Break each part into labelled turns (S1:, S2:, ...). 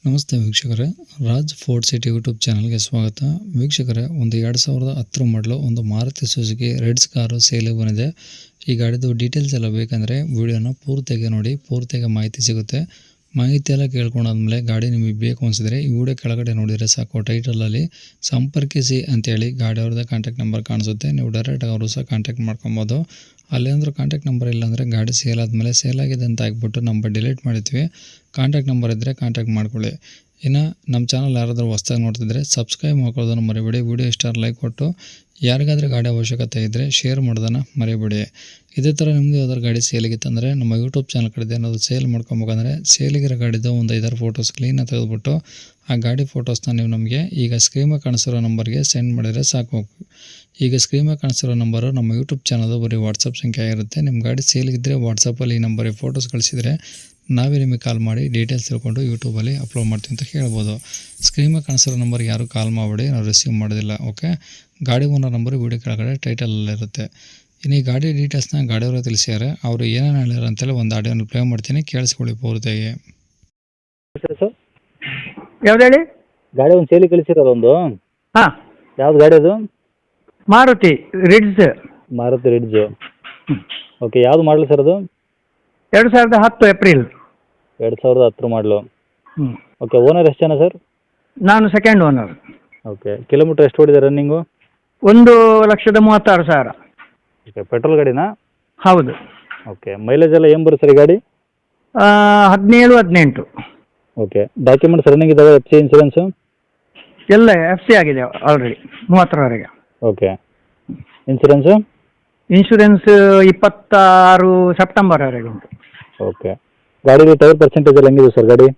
S1: ನಮಸ್ತೆ ವೀಕ್ಷಕರೇ, Raj fort city YouTube ಚಾನಲ್ಗೆ ಸ್ವಾಗತ. ವೀಕ್ಷಕರೇ, ಒಂದು 2010 ಮಾಡಲು ಒಂದು ಮಾರುತಿ ಸುಜುಕಿ ರೆಡ್ಸ್ ಕಾರು ಸೇಲಿಗೆ ಬಂದಿದೆ. ಈ ಗಾಡಿದು ಡೀಟೇಲ್ಸ್ ಎಲ್ಲ ಬೇಕಂದರೆ ವಿಡಿಯೋನ ಪೂರ್ತಿಯಾಗಿ ನೋಡಿ, ಪೂರ್ತಿಯಾಗಿ ಮಾಹಿತಿ ಸಿಗುತ್ತೆ. ಮಾಹಿತಿ ಎಲ್ಲ ಕೇಳ್ಕೊಂಡಾದ್ಮೇಲೆ ಗಾಡಿ ನಿಮಗೆ ಬೇಕು ಅನಿಸಿದ್ರೆ ಈ ವಿಡಿಯೋ ಕೆಳಗಡೆ ನೋಡಿದರೆ ಸಾಕು, ಟೈಟಲಲ್ಲಿ ಸಂಪರ್ಕಿಸಿ ಅಂತೇಳಿ ಗಾಡಿ ಅವ್ರದ್ದು ಕಾಂಟ್ಯಾಕ್ಟ್ ನಂಬರ್ ಕಾಣಿಸುತ್ತೆ. ನೀವು ಡೈರೆಕ್ಟಾಗಿ ಅವರು ಸಹ ಕಾಂಟ್ಯಾಕ್ಟ್ ಮಾಡ್ಕೊಬೋದು. ಅಲ್ಲೇಂದ್ರೂ ಕಾಂಟ್ಯಾಕ್ಟ್ ನಂಬರ್ ಇಲ್ಲಾಂದರೆ ಗಾಡಿ ಸೇಲ್ ಆದಮೇಲೆ ಸೇಲ್ ಆಗಿದೆ ಅಂತ ಆಗ್ಬಿಟ್ಟು ನಂಬರ್ ಡಿಲೀಟ್ ಮಾಡಿದ್ವಿ. ಕಾಂಟ್ಯಾಕ್ಟ್ ನಂಬರ್ ಇದ್ದರೆ ಕಾಂಟ್ಯಾಕ್ಟ್ ಮಾಡ್ಕೊಳ್ಳಿ. ಇನ್ನು ನಮ್ಮ ಚಾನಲ್ ಯಾರಾದರೂ ಹೊಸ್ದಾಗಿ ನೋಡ್ತಿದ್ರೆ ಸಬ್ಸ್ಕ್ರೈಬ್ ಮಾಡ್ಕೊಳ್ಳೋದನ್ನು ಮರಿಬೇಡಿ. ವಿಡಿಯೋ ಇಷ್ಟ ಲೈಕ್ ಕೊಟ್ಟು ಯಾರಿಗಾದ್ರೂ ಗಾಡಿ ಅವಶ್ಯಕತೆ ಇದ್ದರೆ ಶೇರ್ ಮಾಡೋದನ್ನು ಮರಿಬೇಡಿ. ಇದೇ ಥರ ನಿಮ್ಮದು ಯಾವ್ದಾದ್ರು ಗಾಡಿ ಸೇಲಿಗಿತ್ತಂದರೆ ನಮ್ಮ ಯೂಟ್ಯೂಬ್ ಚಾನಲ್ ಕಡೆ ಏನಾದರೂ ಸೇಲ್ ಮಾಡ್ಕೊಬೇಕಂದ್ರೆ ಸೇಲಿಗಿರೋ ಗಾಡಿದು ಒಂದು 5-6 ಫೋಟೋಸ್ ಕ್ಲೀನಾಗಿ ತೆಗೆದುಬಿಟ್ಟು ಆ ಗಾಡಿ ಫೋಟೋಸ್ನ ನೀವು ನಮಗೆ ಈಗ ಸ್ಕ್ರೀನಾಗಿ ಕಾಣಿಸಿರೋ ನಂಬರ್ಗೆ ಸೆಂಡ್ ಮಾಡಿದರೆ ಸಾಕು. ಈಗ ಸ್ಕ್ರೀನಾಗಿ ಕಾಣಿಸಿರೋ ನಂಬರು ನಮ್ಮ ಯೂಟ್ಯೂಬ್ ಚಾನಲ್ದು ಬರೀ ವಾಟ್ಸಪ್ ಸಂಖ್ಯೆ ಆಗಿರುತ್ತೆ. ನಿಮ್ಮ ಗಾಡಿ ಸೇಲಿಗಿದ್ದರೆ ವಾಟ್ಸಪ್ಪಲ್ಲಿ ಈ ನಂಬರಿಗೆ ಫೋಟೋಸ್ ಕಳಿಸಿದರೆ ನಾವೇ ನಿಮಗೆ ಕಾಲ್ ಮಾಡಿ ಡೀಟೇಲ್ಸ್ ತಿಳ್ಕೊಂಡು ಯೂಟ್ಯೂಬಲ್ಲಿ ಅಪ್ಲೋಡ್ ಮಾಡ್ತೀವಿ ಅಂತ ಹೇಳ್ಬೋದು. ಸ್ಕ್ರೀನಾಗಿ ಕಾಣಿಸಿರೋ ನಂಬರ್ಗೆ ಯಾರು ಕಾಲ್ ಮಾಡಬೇಡಿ, ನಾವು ರಿಸೀವ್ ಮಾಡೋದಿಲ್ಲ. ಓಕೆ, ಗಾಡಿ ಓನರ್ ನಂಬರು ವೀಡಿಯೋ ಕೆಳಗಡೆ ಟೈಟಲಲ್ಲಿರುತ್ತೆ. ಇನ್ನು ಈ ಗಾಡಿ ಡೀಟೇಲ್ಸ್ನ ಗಾಡಿಯವರು ತಿಳಿಸಿದ್ದಾರೆ. ಅವರು ಏನೇನು ಹೇಳ್ಯಾರ ಅಂತೇಳಿ ಒಂದು ಆಡಿಯೋನ ಪ್ಲೇ ಮಾಡ್ತೀನಿ, ಕೇಳಿಸ್ಕೊಳ್ಳಿ ಪೂರ್ತಿಯಾಗಿ.
S2: ಸರ್
S3: ಯಾವ್ದು ಹೇಳಿ?
S2: ಗಾಡಿ ಒಂದು ಸೇಲಿ ಕಳಿಸಿರೋದು ಒಂದು.
S3: ಹಾಂ,
S2: ಯಾವ್ದು ಗಾಡಿ ಅದು?
S3: Maruti Ritz.
S2: Maruti Ritz. Okay, ಯಾವ್ದು ಮಾಡಲು ಸರ್ ಅದು?
S3: 2010 ಏಪ್ರಿಲ್.
S2: 2010 ಮಾಡಲು.
S3: ಹ್ಞೂ.
S2: ಓಕೆ, ಓನರ್ ಎಷ್ಟು ಜನ ಸರ್?
S3: ನಾನು ಸೆಕೆಂಡ್ ಓನರ್.
S2: ಓಕೆ, ಕಿಲೋಮೀಟ್ರ್ ಎಷ್ಟು ಓಡಿದೆ ರನ್ನಿಂಗು?
S3: 1,36,000.
S2: Okay, petrol ಗಾಡಿನಾ?
S3: ಹೌದು.
S2: ಓಕೆ, ಮೈಲೇಜ್ ಎಲ್ಲ ಏನು ಬರುತ್ತೆ ಸರ್ ಈ ಗಾಡಿ?
S3: 17-18.
S2: ಓಕೆ, ಡಾಕ್ಯುಮೆಂಟ್ಸ್ ರನ್ನಿಂಗ್ ಇದ್ದಾವೆ? FC ಇನ್ಸೂರೆನ್ಸು
S3: ಎಲ್ಲ FC ಆಗಿದೆ ಆಲ್ರೆಡಿ 30ರವರೆಗೆ.
S2: Okay, insurance?
S3: ಇನ್ಶೂರೆನ್ಸ್ 26 ಸೆಪ್ಟೆಂಬರ್ವರೆಗೆ ಉಂಟು.
S2: ಓಕೆ, ಗಾಡಿಗೆ ಟೈರ್ ಪರ್ಸೆಂಟೇಜ್ ಎಲ್ಲ ಹೆಂಗಿದೆ ಸರ್ ಗಾಡಿ?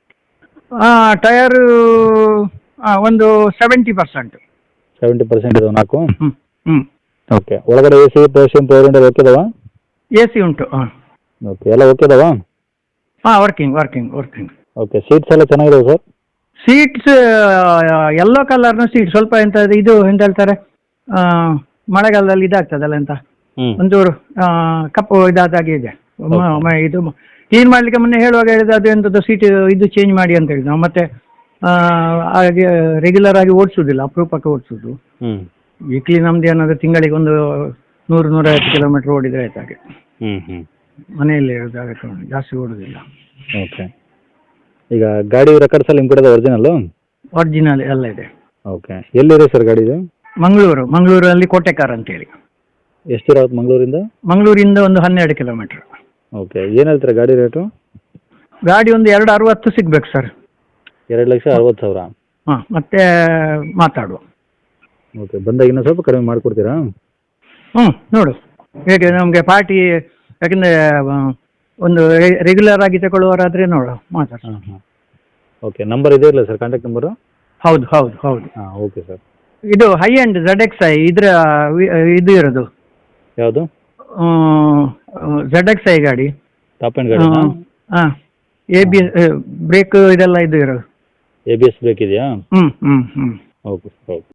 S3: ಟಯರು ಒಂದು 70%.
S2: 70% ಇದಾವೆ 4?
S3: ಹ್ಞೂ ಹ್ಞೂ.
S2: ಓಕೆ, ಒಳಗಡೆ AC portion power window okay ಇದಾವಾ?
S3: AC ಉಂಟು. ಹಾಂ.
S2: ಓಕೆ, ಎಲ್ಲ ಓಕೆ ಇದಾವಾ?
S3: ಹಾಂ, ವರ್ಕಿಂಗ್.
S2: ಓಕೆ, ಸೀಟ್ಸ್ ಎಲ್ಲ ಚೆನ್ನಾಗಿದಾವೆ ಸರ್?
S3: ಸೀಟ್ಸ್ ಯೆಲ್ಲೋ ಕಲರ್ನ ಸೀಟ್, ಸ್ವಲ್ಪ ಇದು ಎಂತ ಹೇಳ್ತಾರೆ, ಮಳೆಗಾಲದಲ್ಲಿ ಇದಾಗ್ತದಲ್ಲ ಅಂತ ಒಂಚೂರು ಕಪ್ಪು ಇದಾದಾಗೆ ಇದೆ. ಇದು ಕ್ಲೀನ್ ಮಾಡಲಿಕ್ಕೆ ಮೊನ್ನೆ ಹೇಳುವಾಗ ಹೇಳಿದ್ರೆ ಅದು ಎಂಥದ್ದು ಸೀಟ್ ಇದು ಚೇಂಜ್ ಮಾಡಿ ಅಂತ ಹೇಳಿದ್ದು. ಮತ್ತೆ ಹಾಗೆ ರೆಗ್ಯುಲರ್ ಆಗಿ ಓಡಿಸೋದಿಲ್ಲ, ಅಪರೂಪಕ್ಕೆ ಓಡಿಸೋದು. ವೀಕ್ಲಿ ನಮ್ದು ಏನಾದರೂ ತಿಂಗಳಿಗೆ ಒಂದು 100-150 ಕಿಲೋಮೀಟರ್ ಓಡಿದ್ರೆ ಆಯ್ತು. ಹಾಗೆ ಮನೆಯಲ್ಲಿ ಜಾಸ್ತಿ ಓಡೋದಿಲ್ಲ.
S2: ಓಕೆ, ಈಗ ಗಾಡಿ ರೆಕಾರ್ಡ್ಸ್ ಎಲ್ಲ ನಿಮ್ಮ ಕಡೆ
S3: ಒರಿಜಿನಲ್ ಎಲ್ಲ ಇದೆ.
S2: ಓಕೆ, ಎಲ್ಲಿದೆ ಸರ್ ಗಾಡಿ ಇದು?
S3: ಮಂಗಳೂರಲ್ಲಿ ಕೋಟೆಕಾರ್ ಅಂತೇಳಿ.
S2: ಎಷ್ಟಿರೋದು ಮಂಗಳೂರಿಂದ?
S3: ಮಂಗಳೂರಿಂದ ಒಂದು 12 ಕಿಲೋಮೀಟರ್.
S2: ಓಕೆ, ಏನು ಹೇಳ್ತೀರಾ ಗಾಡಿ ರೇಟು?
S3: ಗಾಡಿ ಒಂದು 260 ಸಿಗ್ಬೇಕು ಸರ್.
S2: 2,60,000.
S3: ಹಾಂ, ಮತ್ತೆ ಮಾತಾಡುವ.
S2: ಓಕೆ, ಬಂದಾಗ ಇನ್ನೂ ಸ್ವಲ್ಪ ಕಡಿಮೆ ಮಾಡಿಕೊಡ್ತೀರಾ?
S3: ನೋಡು ಹೇಗೆ ನಮಗೆ ಪಾರ್ಟಿ, ಯಾಕೆಂದರೆ ಒಂದು ರೆಗ್ಯುಲರ್ ಆಗಿ ತಗೊಳ್ಳುವವರಾದರೆ ನೋಡು ಮಾತಾಡ್ಸ.
S2: ಓಕೆ, ನಂಬರ್ ಇದೆ ಇಲ್ಲ ಸರ್, ಕಾಂಟ್ಯಾಕ್ಟ್ ನಂಬರು?
S3: ಹೌದು.
S2: ಹಾಂ, ಓಕೆ ಸರ್. ಇದು
S3: ಹೈ ಎಂಡ್ ZXi ಇದರ ಇದು ಇರೋದು
S2: ಯಾವುದು?
S3: ZXi ಗಾಡಿ.
S2: ಟಾಪ್ ಆ್ಯಂಡ್ ಗಾಡಿ?
S3: ಹಾಂ, ABS ಬ್ರೇಕ್ ಇದೆಲ್ಲ ಇದು ಇರೋದು.
S2: ABS ಬ್ರೇಕ್ ಇದೆಯಾ?
S3: ಹ್ಞೂ.
S2: ಓಕೆ.